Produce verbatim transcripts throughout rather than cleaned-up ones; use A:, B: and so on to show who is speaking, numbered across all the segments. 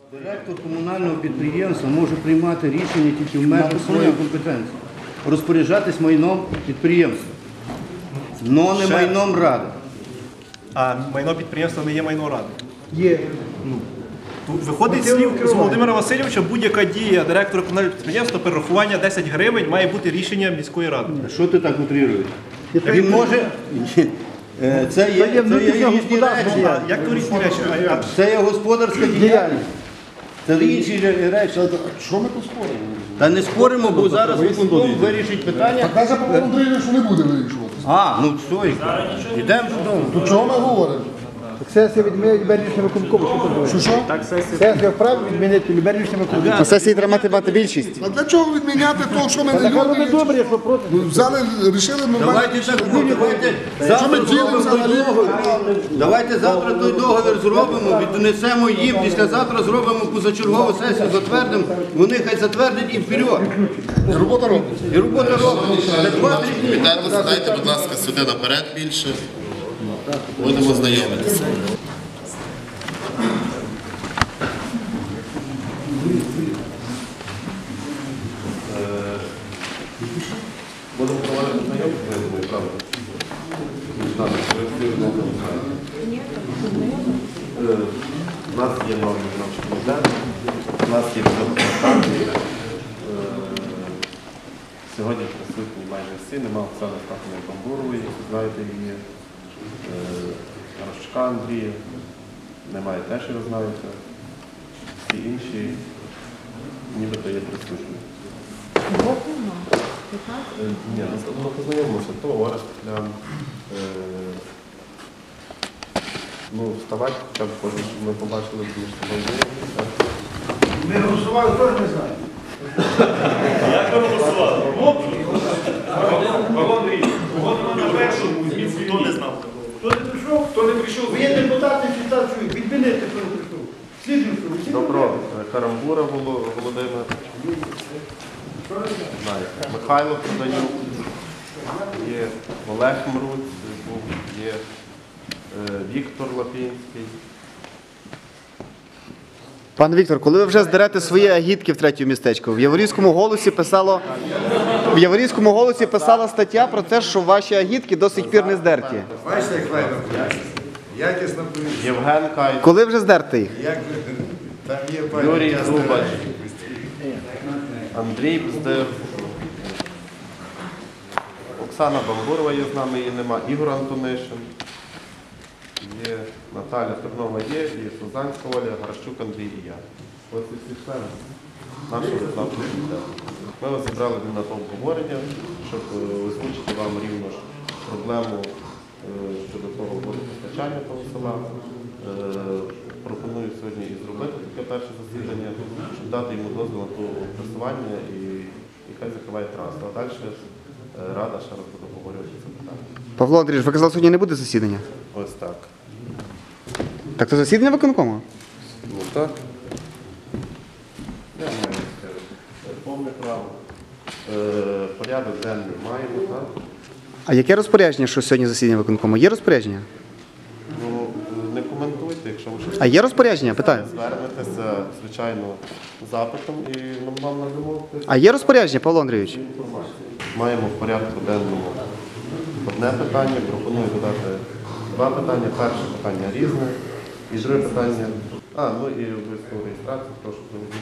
A: Директор комунального підприємства може приймати рішення тільки в межах своєї компетенції. Розпоряджатись майном підприємства, но не
B: Ще-
A: майном ради.
B: А майно підприємства не є майно ради.
C: Є.
B: Тут виходить з слів з Володимира Васильовича, будь-яка дія директора комунального підприємства, перерахування десять гривень має бути рішення міської ради.
A: Що ти так утрируєш? Він може... Е, Це є,
C: Це є
A: це є
C: внутрішня
A: різні речі.
B: А як то різні речі? А- а-
A: Це є господарська діяльність. Це інші речі.
D: Що ми тут споримо?
A: Та не споримо, бо зараз виконком вирішить питання.
D: Каже Павло Андрійович, що не буде вирішуватися.
A: А, ну все, йдемо додому.
D: То чого ми говоримо?
C: Сесія відмінить Любернівським виконкому.
D: Що що?
C: Сесія вправі відмінити Любернівським виконкому.
E: На сесії треба мати мати більшість.
D: А для чого відміняти того, що ми не
C: Так воно не
D: люди?
C: добре, якщо проти.
D: Ну, взяли, рішили нормально.
A: Давайте так, давайте
D: Що ми
A: завтра
D: ділимо
A: зробимо той
D: взагалі?
A: договір. Давайте завтра той договір зробимо, віднесемо їм, післязавтра зробимо позачергову сесію, затвердимо, вони хай затвердять і вперед.
D: І робота робить.
A: І робота робиться. Це два-три дні.
F: Дайте, дайте, будь ласка, сюди наперед більше. Будемо знайомитися. Будемо проводити знайомство, я думаю, правда? У нас є новий виконавчий комітет, у нас є консультації. Сьогодні присутні майже всі, нема Оксани Стахової Бамбурової, знаєте її, Рощука Андрія, немає теж, його знаєте. Всі інші нібито є присутні. Е, Ні, ну познайомимося, то Орест Клян. Ну, вставати, хоча б кожен, щоб ми побачили, тому що ми знайомимося.
C: Ми голосували, теж не знаю.
G: Як ви голосували? Павло Андрійович, кого на першому зміст, хто не знав?
C: Хто не прийшов, хто не прийшов. Ви є депутати, читачують, відмінити, хто не прийшов. Слідуючого.
F: Добро, Карамбура Воло- Володимир. Знаєте, Михайло Проданюк, є Олег Мруць, був, є е, Віктор Лапінський.
E: Пане Віктор, коли ви вже здерете свої агітки в третьому містечку, в Яворівському голосі писало, в Яворівському голосі писала стаття про те, що ваші агітки до сих пір не здерті.
H: Бачите, як файно якісно повітря.
F: Євген Кайт,
E: Коли вже здерте їх?
H: Як там є файно.
F: Юрій Зубач, Андрій Бздир, Оксана Бамбурова є з нами, її нема, Ігор Антонишин, є Наталя Тернова є, є Сузанська Оля, Гаращук Андрій і я. Ось і всі члени нашого виконавчого комітету. Ми вас зібрали на то обговорення, щоб е, озвучити вам рівно ж проблему е, щодо того водопостачання того села. Е, Пропоную сьогодні і зробити таке перше засідання, щоб дати йому дозвіл на то пресування і, і хай закриває трасу. А далі е, Рада ще раз буде обговорювати це питання.
E: Павло Андрійович, ви казали, сьогодні не буде засідання?
F: Ось так.
E: Так то засідання виконкому?
F: Ну так. Я маю е, повне право. Е, Порядок денний маємо, так?
E: А яке розпорядження, що сьогодні засідання виконкому? Є розпорядження?
F: Ну, не коментуйте, якщо ви щось
E: А є розпорядження? Питаю.
F: звернетеся, звичайно, запитом і нам вам надамо
E: А є розпорядження, Павло Андрійович?
F: інформацію. Маємо в порядку денному одне питання, пропоную додати два питання. Перше питання різне, і друге питання. А, ну і обов'язково реєстрацію, прошу проведіть.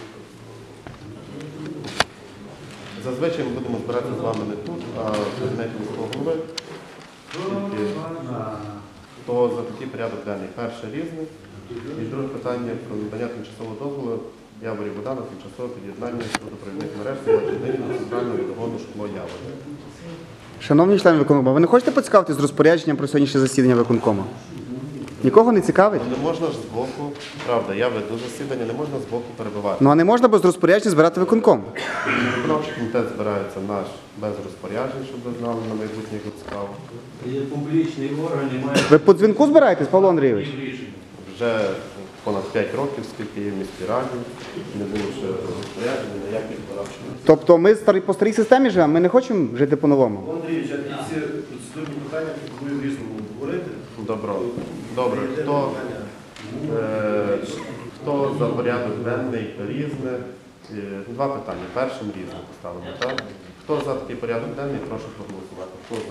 F: Зазвичай ми будемо збиратися з вами не тут, а в кабінеті міського голови. Тільки то за такий порядок денний. Перше різне. І друге питання про надання тимчасового дозволу Яворі Богдана, тимчасове під'єднання водопровідних мереж до центрального водогону шкло Яворі.
E: Шановні члени виконкому, ви не хочете поцікавитись з розпорядженням про сьогоднішнє засідання виконкому? Нікого не цікавить?
F: Ну, не можна ж збоку, правда, я веду засідання, не можна збоку перебивати.
E: Ну а не можна без розпорядження збирати виконком?
F: Виконавчий комітет збирається наш без розпоряджень, щоб ви знали на майбутнє, як цікаво.
A: Є публічний орган і має
E: Ви по дзвінку збираєтесь, Павло Андрійович?
F: Вже понад п'ять років, скільки є в міській раді, не було ще розпоряджень, ніяких виконавчих.
E: Тобто ми старі- по старій системі живемо, ми не хочемо жити по-новому?
H: Андрійович, я ці процедурні питання пропоную в різному говорити.
F: Добро. Добре. Хто, е, Хто за порядок денний різне? Е, Два питання. Першим різне поставимо, так? Хто за такий порядок денний, прошу проголосувати. Хто за?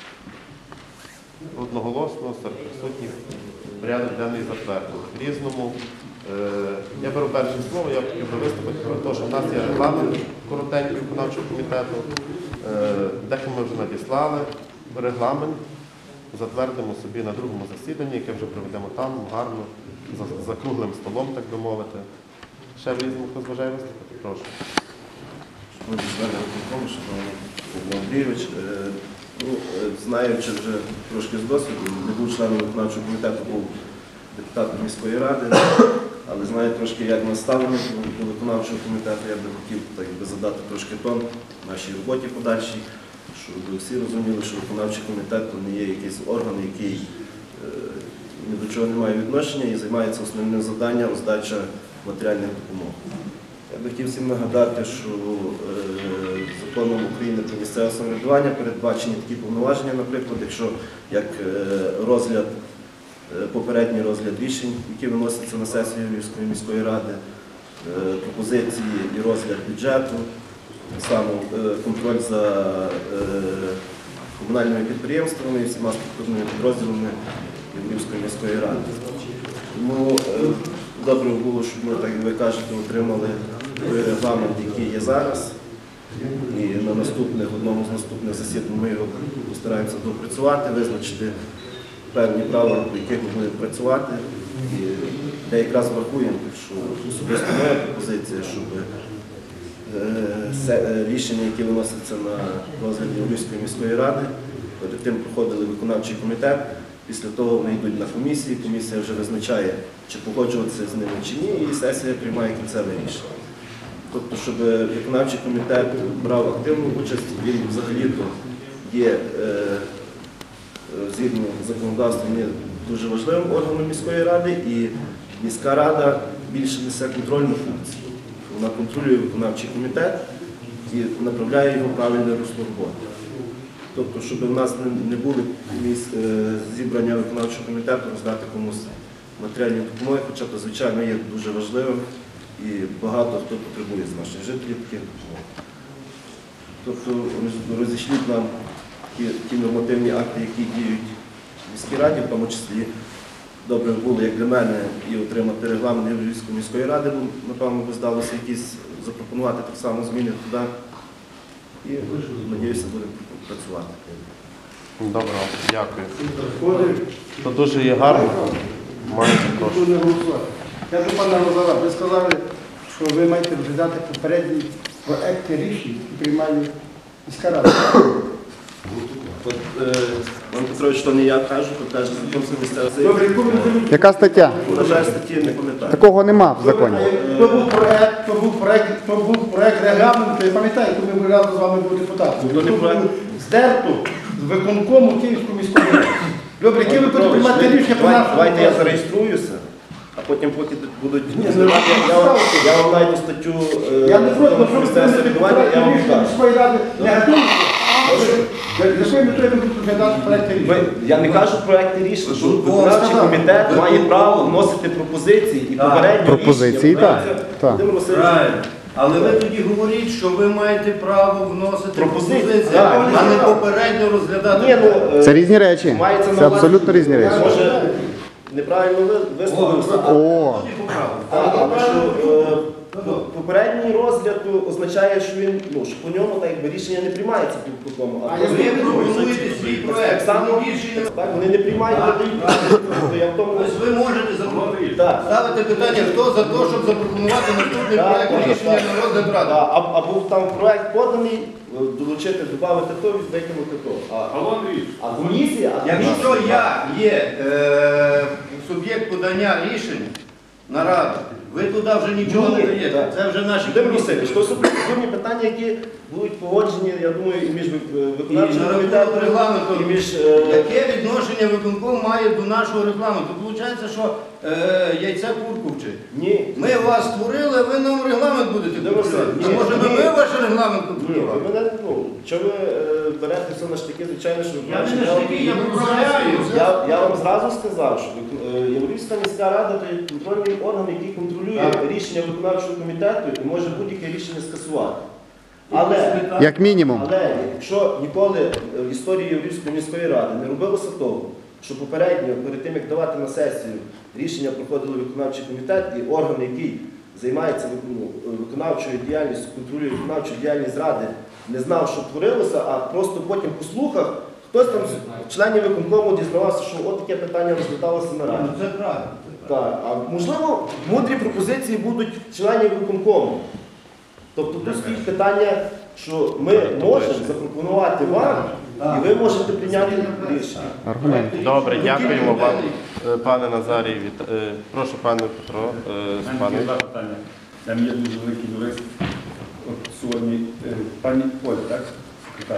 F: Одноголосно, серед присутніх. Порядок денний затвердили. В різному. Е, Я беру перше слово, я хотів би виступити про те, що в нас є регламент коротенький виконавчого комітету. Е, Дещо ми вже надіслали. Регламент затвердимо собі на другому засіданні, яке вже проведемо там, гарно, за, за круглим столом, так би мовити. Ще в різному хтось бажає виступити? Прошу.
I: Шановні члени виконкому, шановний Павло Андрійович, е, ну, е, знаючи вже трошки з досвіду, не був членом виконавчого комітету, був депутатом міської ради, але знаю трошки, як ми ставимо до виконавчого комітету, я би хотів так би задати трошки тон нашій роботі подальшій, щоб всі розуміли, що виконавчий комітет не є якийсь орган, який е, ні до чого не має відношення і займається основним завданням роздача матеріальних допомог. Я би хотів всім нагадати, що е, законом України про місцеве самоврядування передбачені такі повноваження, наприклад, якщо як е, розгляд, е, попередній розгляд рішень, які виносяться на сесію Львівської міської ради, е, пропозиції і розгляд бюджету, так само е, контроль за е, комунальними підприємствами і всіма структурними підрозділами Львівської міської ради. Тому е, добре було, щоб ми, так як ви кажете, отримали той регламент, який є зараз. І на наступних, одному з наступних засідань ми його постараємося допрацювати, визначити певні правила, по яких ми будемо працювати. І де якраз врахуємо, що особисто моя пропозиція, щоб е, рішення, які виносяться на розгляд Львівської міської ради, перед тим проходили виконавчий комітет. Після того вони йдуть на комісії, комісія вже визначає, чи погоджуватися з ними чи ні, і сесія приймає кінцеве рішення. Тобто, щоб виконавчий комітет брав активну участь, він взагалі-то є, е, згідно з законодавством, є дуже важливим органом міської ради, і міська рада більше несе контрольну функцію. Вона контролює виконавчий комітет і направляє його в правильне русло роботи. Тобто, щоб у нас не були зібрання виконавчого комітету, роздати комусь матеріальні допомоги, хоча це, звичайно, є дуже важливим і багато хто потребує з наших жителів таких допомог. Тобто, розійшліть нам ті, ті нормативні акти, які діють в міській раді, в тому числі добре було, як для мене, і отримати регламент Львівської міської ради, бо, напевно, би здалося якісь запропонувати так само зміни туди. І, сподіваюся, будемо працювати.
F: Добре, дякую. Це дуже є гарно. Маєте прошу.
C: Я до пана Лазара, ви сказали, що ви маєте розглядати попередні проекти рішень, які приймає міська рада.
I: От, е, Іван Петрович, то не я кажу, то теж закон про місцеве
C: Добре, яку ви розумієте?
E: Яка стаття?
I: На жаль, статті не пам'ятаю.
E: Такого нема в законі.
C: То був проект, то був проект, то був проект регламенту, я пам'ятаю, коли ми разом з вами були депутатами.
I: Ну, не
C: То
I: проект.
C: було здерто з виконкому Київської міської ради. Добре, які ви будете приймати рішення про нашу
I: Давайте я
C: роботу?
I: зареєструюся, а потім поки будуть знімати, я, вам- я вам найду статтю е,
C: Я не проти,
I: про
C: що ви
I: місцеве
C: приймете
I: самоврядування, я вам
C: рішення
I: скажу.
C: міської ради не готові. Для якої метою ви будете розглядати проекти рішення?
I: Ви- Я не кажу проекти рішень, що виконавчий
C: сказав.
I: комітет має право вносити пропозиції і попередні
E: Пропозиції,
I: рішення.
E: так, так.
I: Володимир Васильович,
A: Правильно. Але ви тоді говоріть, що ви маєте право вносити
I: Пропозиції,
A: пропозиції,
I: так.
A: а не попередньо розглядати.
I: Ні, ну, е,
E: Це різні речі.
I: мається на
E: Це
I: увазі-
E: абсолютно різні речі.
I: Може, неправильно ви- висловився, а-
E: О,
I: Так, але що е, попередній розгляд означає, що він, ну, що по ньому так якби рішення не приймається по такому. А
C: А я
I: просто-
A: Ви пропонуєте свій
I: так
A: проект,
I: само
A: рішення.
I: так, вони не приймають, не дають. То я в тому.
A: Тобто ви можете запропонувати.
I: Так.
A: Ставити питання, хто за те, щоб запропонувати наступний
I: Так,
A: проект
I: можна,
A: рішення
I: так.
A: на розгляд ради.
I: Да, а, а був там проект поданий, долучити, додати то, викинути то. А,
G: Павло Андрійович,
I: а комісія, а
A: Якщо я є е, суб'єкт подання рішень на раду, Ви туди вже нічого не даєте. Це вже наші
I: Володимир
A: комісії.
I: Васильович, то są процедурні питання, які будуть погоджені, я думаю, і між виконавчим
A: І на
I: комітетом,
A: регламенту.
I: і між... е,
A: Яке відношення виконком має до нашого регламенту? Виходить, що е, яйце курку вчить.
I: Ні,
A: Ми вас створили, а ви нам регламент будете
I: Володимир
A: контролювати.
I: Васильович,
A: А може би
I: ні.
A: ми ваш регламент
I: ні, ви
A: контролювали?
I: мене, ну, що ви е, берете все на штики, звичайно, що...
A: Я не на штики, я поправляю.
I: Я, я вам зразу сказав, що е, Яворівська міська рада – це контрольний орган, який контролює
A: Так.
I: рішення виконавчого комітету і може будь-яке рішення скасувати. Але,
E: Як мінімум.
I: але якщо ніколи в історії Яворівської міської ради не робилося того, що попередньо, перед тим, як давати на сесію, рішення проходили виконавчий комітет і орган, який займається ну, виконавчою діяльністю, контролює виконавчу діяльність ради, не знав, що творилося, а просто потім по слухах хтось там з членів виконкому дізнавався, що от таке питання розглядалося на раді.
A: Ну, це правильно.
I: Так, а можливо, мудрі пропозиції будуть членів виконкому. Тобто тут стоїть питання, що ми можемо запропонувати вам, і ви можете прийняти рішення.
E: Аргумент.
F: Добре, дякуємо вам, е, пане Назарій. Віт- е, Прошу, пане Петро, е, з
J: У мене
F: пане.
J: є два питання. Там є дуже великий юрист. От сьогодні е, пані Оля, так? Секретар.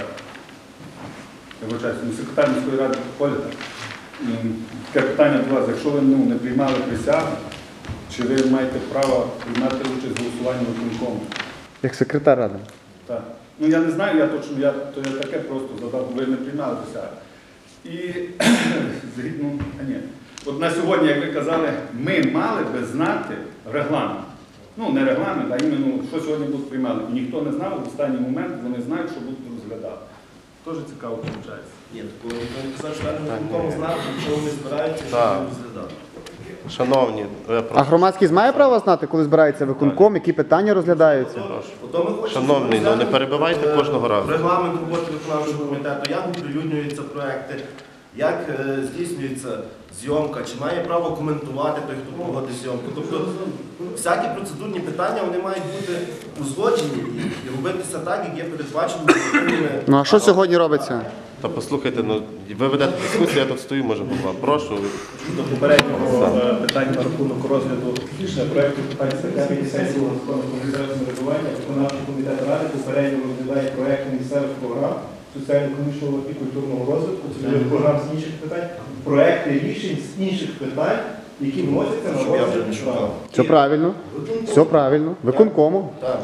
J: Я вибачаюся, ну, секретар міської ради Оля, так? І таке питання до вас. Якщо ви ну, не приймали присягу, чи ви маєте право приймати участь в голосуванні виконкому?
E: Як секретар ради.
J: Так. Ну я не знаю, я точно, я, то я таке просто задав, ви не приймали присягу. І згідно, а ні. От на сьогодні, як ви казали, ми мали би знати регламент. Ну, не регламент, а іменно, що сьогодні будуть приймати. І ніхто не знав, в останній момент вони знають, що будуть розглядати. Дуже цікаво виходить.
I: Ні, такого ніхто не казав, члени виконкому знав, що вони збираються, що
F: Так.
I: вони розглядали.
F: Шановні, е,
E: А
F: прошу.
E: громадськість має право знати, коли збирається виконком, які питання розглядаються?
I: Ото ми хочемо
F: Шановний, ну, не
I: розглянути,
F: перебивайте
I: е,
F: кожного разу.
I: Регламент роботи виконавчого комітету, як оприлюднюються проекти, як е, здійснюється зйомка, чи має право коментувати той, хто проводить зйомку. Тобто всякі процедурні питання вони мають бути узгоджені і, і робитися так, як є передбачено законними.
E: Ну а що сьогодні робиться?
F: Та послухайте, ну ви ведете дискусію, я тут стою, може голова. Прошу.
B: До попереднього е, питання на рахунок розгляду рішення проєкту питань секретарії сесії Верховного комітету самоврядування, виконавчий комітет ради попередньо розглядає проєкти місцевих програм соціально-економічного і культурного розвитку, цільових програм з інших питань, проєкти рішень з інших питань, які вносяться на
I: Щоб я вже
B: розгляд
I: не шукав.
E: Все правильно. Все правильно. Виконкому.
I: Так,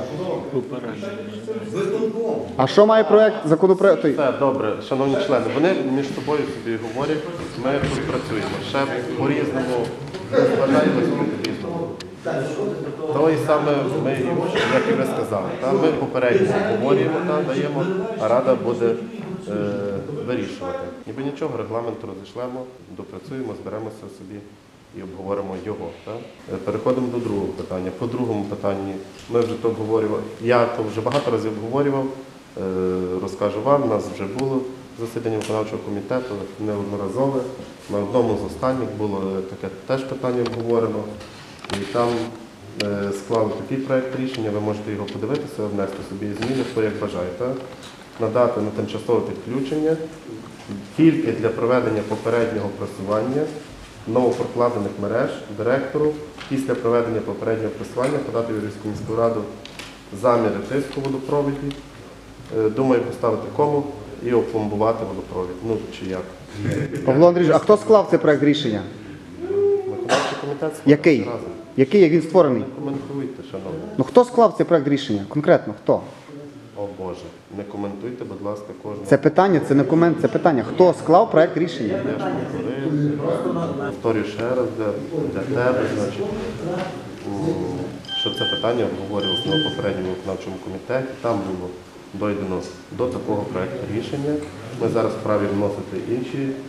A: Виконком.
E: А що має проект законопроекту?
F: Все, добре, шановні члени, вони між собою собі говорять, ми тут працюємо. Ще по-різному, вважаємо по-різному. То і саме ми, як і ви сказали, та, ми попередньо говоримо, та, даємо, а рада буде е, вирішувати. Ніби нічого, регламенту розійшлемо, допрацюємо, зберемося собі і обговоримо його. Та. Е, Переходимо до другого питання. По другому питанні ми вже то обговорювали, я то вже багато разів обговорював, е, розкажу вам, у нас вже було засідання виконавчого комітету, неодноразове. На одному з останніх було таке теж питання обговорено. І там е, склали такий проєкт рішення, ви можете його подивитися, внести собі зміни, хто як бажаєте. Надати на тимчасове підключення тільки для проведення попереднього просування новопрокладених мереж директору після проведення попереднього просування подати в Яворівську міську раду заміри тиску в водопроводі. Е, думаю, поставити кому і опломбувати водопровід. Ну, чи як.
E: Павло Андрійович, а хто склав цей проект рішення?
F: Виконавчий комітет склав
E: Який?
F: разом.
E: Який, як він створений?
F: Коментуйте, шановні.
E: Ну хто склав цей проект рішення? Конкретно хто?
F: О Боже, не коментуйте, будь ласка, кожного.
E: Це питання, це не комент, це питання. Хто склав проект рішення?
F: Я ж повторив, повторюю ще раз для, для тебе, значить, м, що це питання обговорювалося на попередньому виконавчому комітеті. Там було дойдено до такого проекту рішення. Ми зараз вправі вносити інші е,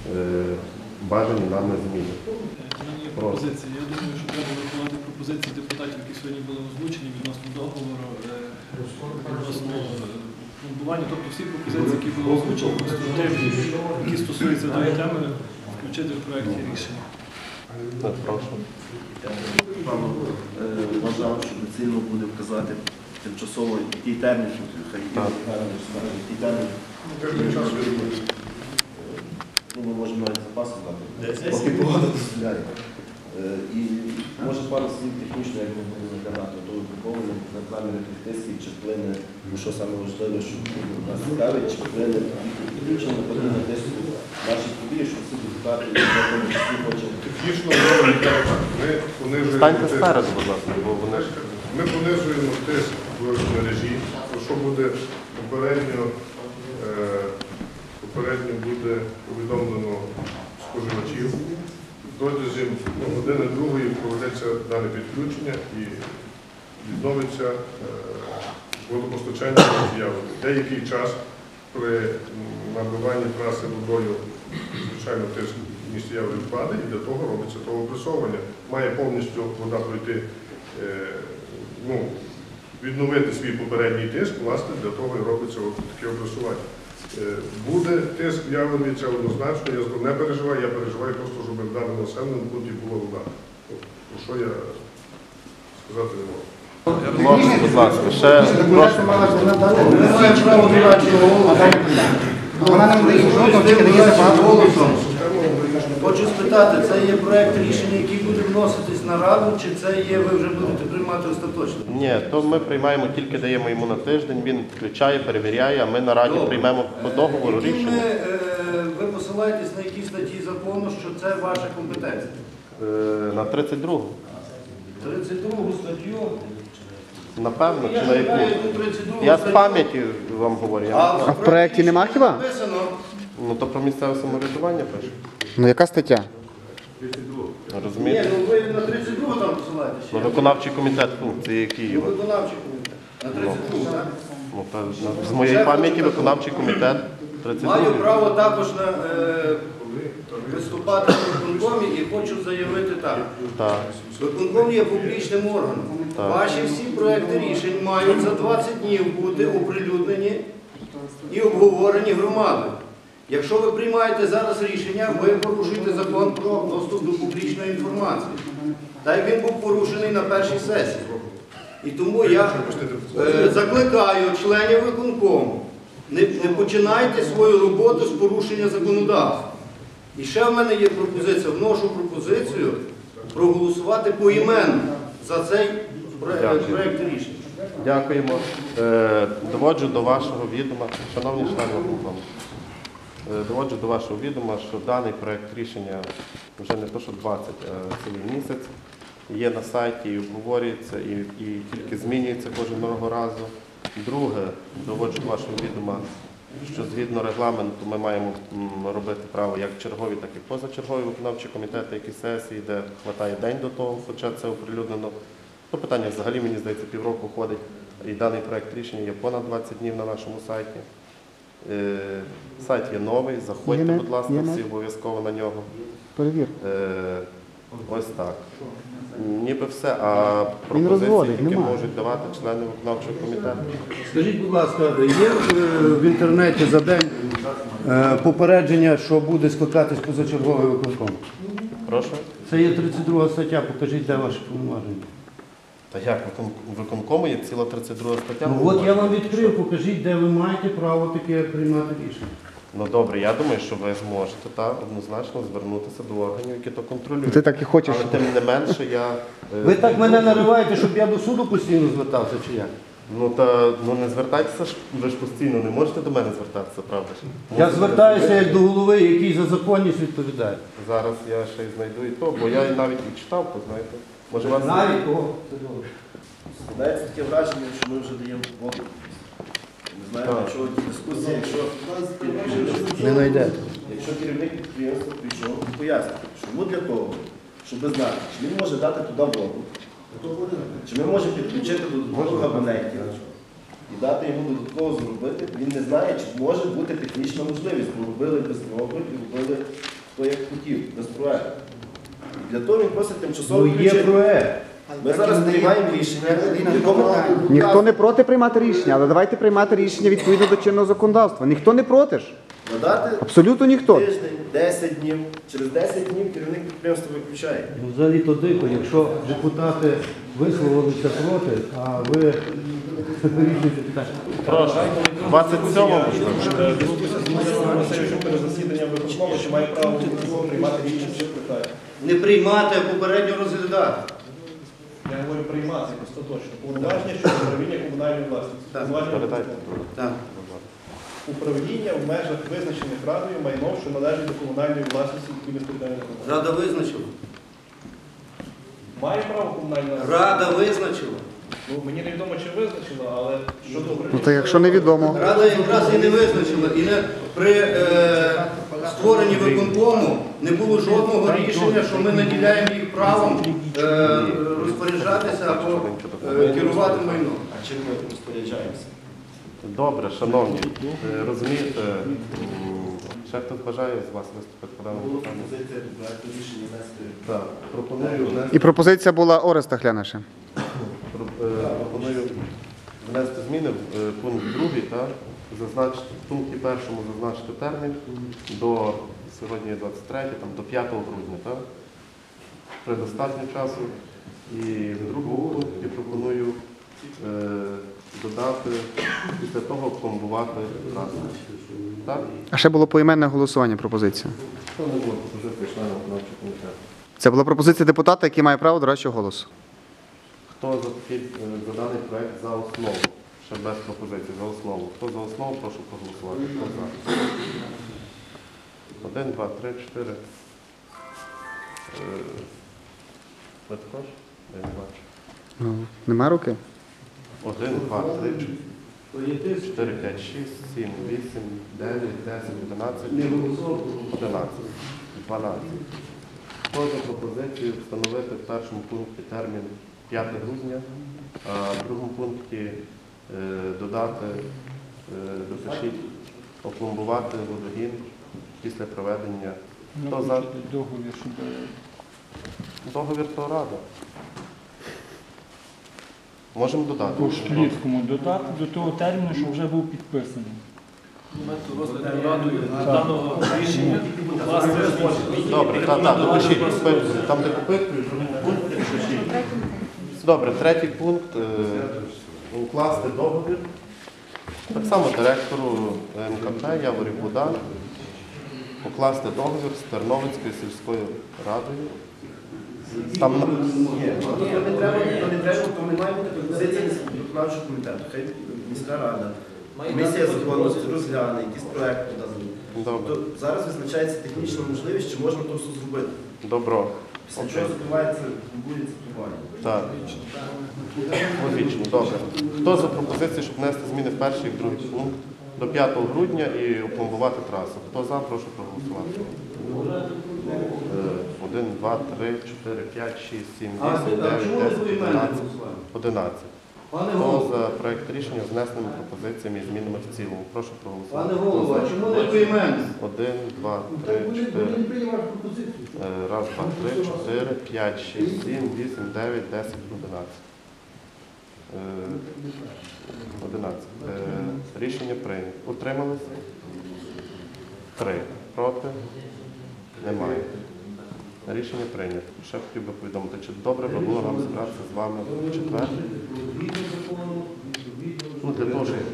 F: бажані нами зміни.
K: Пропозиції. Я думаю, що треба врахувати пропозиції депутатів, які сьогодні були озвучені відносно договору, е, відносно пломбування. Тобто всі пропозиції, які були озвучені, конструктивні, які стосуються даної теми, включити в проєкті рішення.
F: Так, прошу.
I: Вам е, вважав, що доцільно буде вказати тимчасово який термін, хай
F: Так.
I: який термін. Ну, ми можемо навіть запасом дати. Поки погода дозволяє. Е, І може пару слів технічно, як ми будемо заглядати, то виконування рекламних тисків, чи вплине, ну що саме важливе, що нас цікавить, чи вплине підключення на подібне тиску наших подій, що всі депутати, в тому числі хочуть.
D: Технічно ми понижуємо
F: Станьте
D: тиск.
F: спереду, будь ласка, бо вони ж...
D: Ми понижуємо тиск в мережі, про що буде попередньо, е, попередньо буде повідомлено споживачів. Протягом ну, години другої проведеться дане підключення і відновиться е, водопостачання з'яви. Деякий час при набиванні траси водою, звичайно, тиск в місті Яворів впаде, і для того робиться того опресовування. Має повністю вода пройти, е, ну, відновити свій попередній тиск, власне, для того і робиться от таке опресування. Е, Буде тиск в Яворові, це однозначно, я не переживаю, я переживаю просто, щоб в даному населеному пункті була вода. От, про що я сказати не можу.
F: Прошу, будь ласка, ще прошу.
A: Ми маємо право дорадчого голосу.
C: Вона нам дає жодного, тільки дає забагато голосу.
A: Хочу спитати, це є проект рішення, який буде вноситись на раду, чи це є, ви вже будете приймати остаточно?
F: Ні, то ми приймаємо, тільки даємо йому на тиждень, він включає, перевіряє, а ми на раді
A: Добре.
F: приймемо по договору
A: Які
F: рішення.
A: ми, е, ви посилаєтесь на які статті закону, що це ваша компетенція?
F: Е, На тридцять другу.
A: тридцять другу статтю.
F: Напевно,
A: Я
F: чи на
A: ж знаю,
F: яку?
A: яку тридцять другу
F: Я з
A: статтю.
F: пам'яті вам говорю. Я...
E: А в проекті нема хіба?
A: Написано.
F: Ну то про місцеве самоврядування пише.
E: Ну яка стаття?
A: Ні,
F: Розумієте?
A: ну ви на тридцять другу там посилаєтесь.
F: Ну, виконавчий комітет функції, які
A: Ну,
F: є.
A: виконавчий комітет. На тридцять другу, так?
F: Ну, та, на- з моєї пам'яті виконавчий комітет тридцять
A: Маю
F: другий.
A: право також на, е, виступати в виконкомі і хочу заявити так.
F: Так.
A: Виконком є публічним органом.
F: Так.
A: Ваші всі проекти рішень мають за двадцять днів бути оприлюднені і обговорені громадою. Якщо ви приймаєте зараз рішення, ви порушуєте закон про доступ до публічної інформації. Так як він був порушений на першій сесії. І тому я е, закликаю членів виконкому, не, не починайте свою роботу з порушення законодавства. І ще в мене є пропозиція, вношу пропозицію проголосувати поіменно за цей проект,
F: Дякую.
A: проект рішення.
F: Дякуємо. Е, Доводжу до вашого відома, шановні члени виконкому, е, доводжу до вашого відома, що даний проект рішення вже не то, що двадцять, а цілий місяць є на сайті і обговорюється, і, і тільки змінюється кожного разу. Друге, доводжу до вашого відома, що згідно регламенту ми маємо м, робити право як чергові, так і позачергові виконавчі комітети, які сесії, де хватає день до того, хоча це оприлюднено. То питання взагалі, мені здається, півроку ходить, і даний проект рішення є понад двадцять днів на нашому сайті. Е, сайт є новий, заходьте,
E: Є,
F: будь ласка,
E: є.
F: всі обов'язково на нього.
E: Перевір.
F: Е, ось так. Ніби все, а пропозиції,
E: розводить,
F: які
E: немає.
F: можуть давати члени виконавчого комітету.
A: Скажіть, будь ласка, є е, в інтернеті за день е, попередження, що буде скликатись позачерговий виконком?
F: Прошу.
A: Це є тридцять друга стаття, покажіть, де ваші повноваження.
F: Та як, викон- виконкому є ціла тридцять друга стаття?
A: Ну от я вам відкрив, покажіть, де ви маєте право таке приймати рішення.
F: Ну добре, я думаю, що ви зможете та, однозначно звернутися до органів, які то контролюють.
E: Ти так і хочеш.
F: Але тим не менше я... е,
A: Ви так мене нариваєте, щоб я до суду постійно звертався, чи як?
F: Ну та ну не звертайтеся ж, ви ж постійно не можете до мене звертатися, правда ж?
A: Я звертаюся як до голови, який за законність відповідає.
F: Зараз я ще й знайду і то, бо я навіть і читав, то знаєте. Може вас...
A: Навіть кого? Це добре.
I: Складається таке враження, що ми вже даємо воду. Не знаю,
F: Так.
I: якщо дискусія, якщо,
A: Не знайдете.
I: якщо керівник підприємства прийшов, пояснити, що йому для того, щоб знати, чи він може дати туди воду, чи ми можемо підключити до додаткових абонентів і дати йому додатково зробити, він не знає, чи може бути технічна можливість, бо робили без року і робили хто як хотів, без проекту. І для того він просить тимчасово
A: Ну є
I: включити.
A: проект.
I: Ми зараз приймаємо рішення, в якому
E: Ніхто не проти приймати рішення, але давайте приймати рішення відповідно до чинного законодавства. Ніхто не проти ж.
I: надати
E: Абсолютно ніхто.
I: тиждень, десять днів. Через десять днів керівник підприємства виключає.
A: Ну, взагалі то дико, якщо депутати висловилися проти, а ви вирішуєте питання.
F: Прошу. двадцять сьомого
B: Перед засіданням виконкому, чи має право приймати рішення, що питає.
A: Не приймати, а попередньо розглядати.
B: Я говорю приймати остаточно. Повноваження щодо управління комунальної власності.
A: Так.
B: Повноваження
F: Передайте.
A: Так.
B: управління в межах визначених радою майном, що належить до комунальної власності відповідних територіальних громад.
A: Рада визначила.
B: Має право комунальна
A: Рада визначила.
B: Ну, мені невідомо, чи визначила, але щодо
E: Ну то якщо невідомо.
A: Рада якраз і не визначила. І не, при е, створенні виконкому не було жодного рішення, що ми наділяємо їх правом е, розпоряджатися або е, керувати майном.
I: А чим ми розпоряджаємося?
F: Добре, шановні, е, розумієте, м, ще хтось бажає з вас виступити по даному
I: Було
F: питанню?
I: пропозиція проекту рішення внести.
F: Так, пропоную внести,
E: І пропозиція була Ореста Гляниша.
F: про- е, пропоную внести зміни в е, пункт другий, так, зазначити, в пункті першому зазначити термін до сьогодні двадцять третє, там, до п'ятого грудня, так? Предостатньо часу. І в другому пункті пропоную е, додати після того пломбувати трасу. Так?
E: А ще було поіменне голосування пропозиція.
F: Це не було пропозиції членів виконавчого комітету.
E: Це була пропозиція депутата, який має право дорадчого голосу.
F: Хто за такий е, за даний проект за основу? Ще без пропозиції, за основу. Хто за основу, прошу проголосувати. Хто за? Один, два, три, чотири. Е, Ви також? Я не бачу.
E: Ну, нема руки?
F: Один, два, три, чотири, п'ять, шість, сім, вісім, дев'ять, десять, одинадцять, одинадцять, дванадцять. Хто за пропозицію встановити в першому пункті термін п'яте грудня, а в другому пункті е, додати, е, допишіть, опломбувати водогін після проведення. Хто за? Договір то рада. Можемо додати.
L: По Шклівському додати до того терміну, що вже був підписаний.
K: Моменту розгляду радою даного рішення власне
F: Добре, так, так, допишіть, допишіть. Там, де попитують, пункт допишіть. Добре, третій пункт. е, Укласти договір. Так само директору ем ка пе Яворів Богдан укласти договір з Терновицькою сільською радою. Там на-
I: Ні, то не треба, то не треба, то не має бути пропозиція виконавчого комітету. Хай міська рада, комісія законності розгляне, якийсь проект поданий.
F: Добре.
I: То зараз визначається технічна можливість, чи можна то все зробити.
F: Добро.
I: Після
F: Окей.
I: чого закривається, буде цитування.
F: Так. Логічно, добре. Хто за пропозицію, щоб внести зміни в перший і другий пункт до п'ятого грудня і опломбувати трасу? Хто за, прошу проголосувати. Е, Один, два, три, чотири, п'ять, шість, сім,
A: А
F: вісім,
A: а чому
F: дев'ять,
A: ви
F: десять,
A: поіменне
F: одинадцять.
A: голосування?
F: Одинадцять.
A: Пане
F: Хто
A: голово,
F: за проект рішення з внесеними пропозиціями і змінами в цілому? Прошу проголосувати.
A: пане
F: Хто
A: голово,
F: за?
A: а чому не поіменне?
F: Один, два, три, чотири. Е, Раз, два, три, чотири, п'ять, шість, сім, вісім, дев'ять, десять, одинадцять. Е, Одинадцять. Е, Рішення прийнято. Утримались? Три. Проти? Немає. Рішення прийнято. Ще хотів би повідомити, чи добре би було нам зібратися з вами в четвер? Ну, для того, щоб...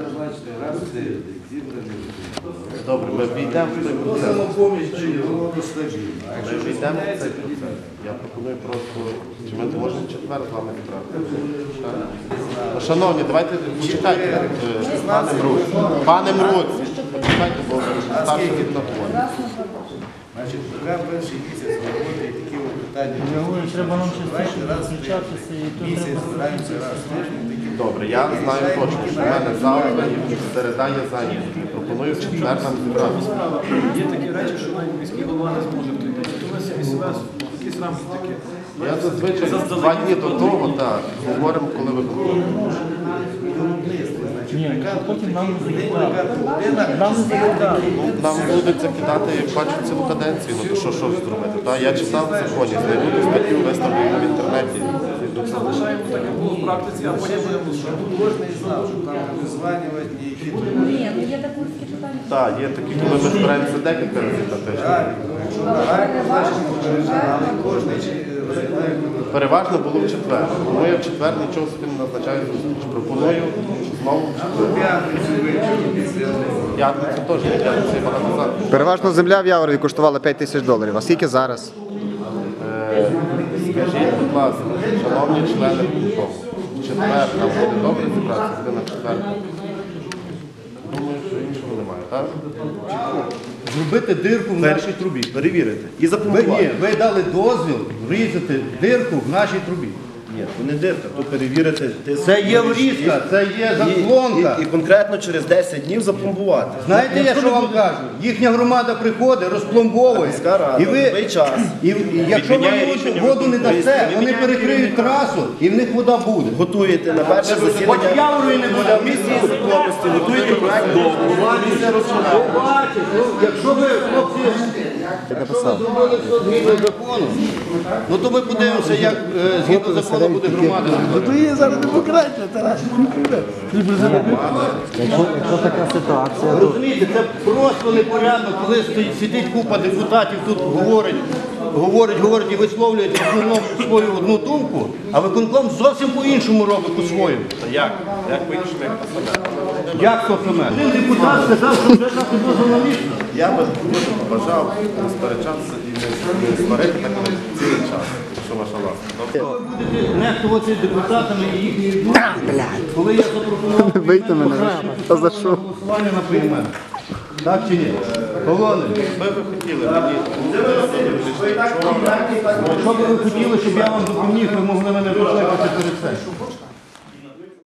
F: Добре, ми війдемо в той
A: Хто
F: процес.
A: самопоміч чи його?
F: Ми війдемо в цей процес. Я пропоную просто, чи ми можемо в четвер з вами зібратися? Ну, шановні, давайте почекайте, е, пане Мруц. Пане Мруц, почекайте, бо старший від находить.
H: Значить, поки перший місяць роботи і такі от питання.
L: Я говорю, треба нам частіше
H: Давайте раз в
L: зустрічатися і то
H: місяць
L: треба
H: збираємося раз в тиждень. такі.
F: Добре, я знаю точно, що в мене завтра і середа є зайняті. Пропоную в четвер нам зібратися.
K: є такі речі, що навіть міський голова не зможе прийти. То ми собі себе якісь рамки такі.
F: Я зазвичай два дні до того, так, говоримо, коли ви
L: Ні, а потім нам не закидали. Нам не закидали.
F: Нам будуть закидати, як бачу, цілу каденцію, ну то що, що зробити? Та? Я читав в законі, знайду ту статтю, виставлю в інтернеті.
K: Залишаємо так, як було в практиці, а потім будемо що.
H: Кожен знав, що там визванювати ніякі.
M: Ні, ну є такі питання.
F: Так, є такі, коли ми збираємося декілька разів на тиждень.
H: Якщо нагально, значить попереджали, але кожен розглядає.
F: Переважно було в четвер. Тому я в четвер нічого собі не назначаю зустріч. Пропоную знову в четвер.
H: П'ятницю ввечері після.
F: П'ятницю теж не п'ятницю, я багато завтра.
E: Переважно земля в Яворові коштувала п'ять тисяч доларів. А скільки зараз?
F: Е, Скажіть, будь ласка, шановні члени виконкому, в четвер нам буде добре зібратися, буде на четвер. Думаю, що іншого немає, так?
A: Зробити дирку в нашій трубі.
I: Перевірити. І
A: Ви,
I: запропонувати.
A: ні, ви дали дозвіл врізати дирку в нашій трубі.
I: Ні, то не дирка, то перевірити тиск.
A: Це є врізка, це є заслонка.
I: І, і, і конкретно через десять днів запломбувати.
A: Знаєте, я що вам кажу? Їхня громада приходить, розпломбовує.
I: Міська рада,
A: І ви,
I: в той час.
A: і, і якщо ви воду, воду не дасте, вони перекриють трасу і в них вода буде.
I: Готуєте на перше
A: Хоч
I: засідання.
A: Яворої не буде.
I: В місті законності готуєте проект договору.
A: Побачите, ну, якщо ви, хлопці, якщо ви зробили все згідно закону, ну то ми подивимося, як е, згідно закону буде громада.
C: То є зараз демократія, Тарас.
L: Якщо така ситуація, то
A: Розумієте, це просто непорядно, коли стоїть, сидить купа депутатів, тут говорить, говорить, говорить і висловлюють в основному свою одну думку, а виконком зовсім по-іншому робить по-своєму.
F: Як? Як по-іншому, як по-себе?
A: Як то саме? Один депутат сказав, що вже дати дозвіл на місце.
F: Я би дуже побажав не сперечатися і не, не сварити так на цілий час, якщо ваша ласка. Добре?
A: Ви будете нехтувати депутатами і їхньої думки, коли я запропонував
E: Вийти мене. Та за що?
A: голосування на приймен. Так чи ні? Колони,
F: Ви би хотіли мені,
A: якщо б ви хотіли, щоб я вам допоміг, ви могли мене викликати перед цим.